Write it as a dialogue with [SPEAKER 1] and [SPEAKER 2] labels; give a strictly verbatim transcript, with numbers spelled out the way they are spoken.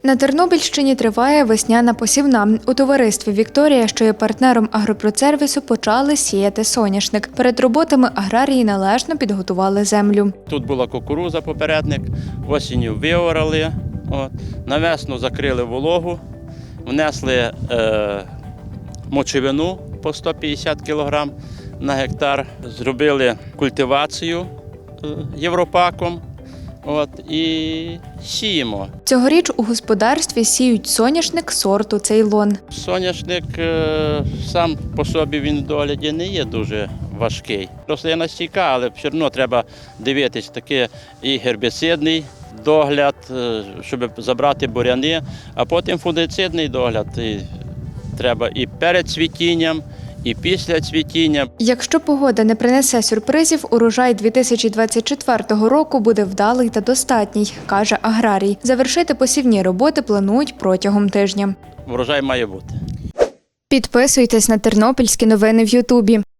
[SPEAKER 1] На Тернопільщині триває весняна посівна. У товаристві «Вікторія», що є партнером агропродсервісу, почали сіяти соняшник. Перед роботами аграрії належно підготували землю.
[SPEAKER 2] Тут була кукурудза попередник, осінню виорали, от, на весну закрили вологу, внесли е, мочевину по сто п'ятдесят кілограм на гектар, зробили культивацію е, європаком. От, і сіємо.
[SPEAKER 1] Цьогоріч у господарстві сіють соняшник сорту «Цейлон».
[SPEAKER 2] Соняшник е, сам по собі він в догляді не є дуже важкий. Рослина стійка, але все одно треба дивитись таке і гербіцидний догляд, е, щоб забрати буряни, а потім фунгицидний догляд. І треба і перед цвітінням, і після цвітіння.
[SPEAKER 1] Якщо погода не принесе сюрпризів, урожай дві тисячі двадцять четвертого року буде вдалий та достатній, каже аграрій. Завершити посівні роботи планують протягом тижня.
[SPEAKER 2] Врожай має бути.
[SPEAKER 1] Підписуйтесь на тернопільські новини в Ютубі.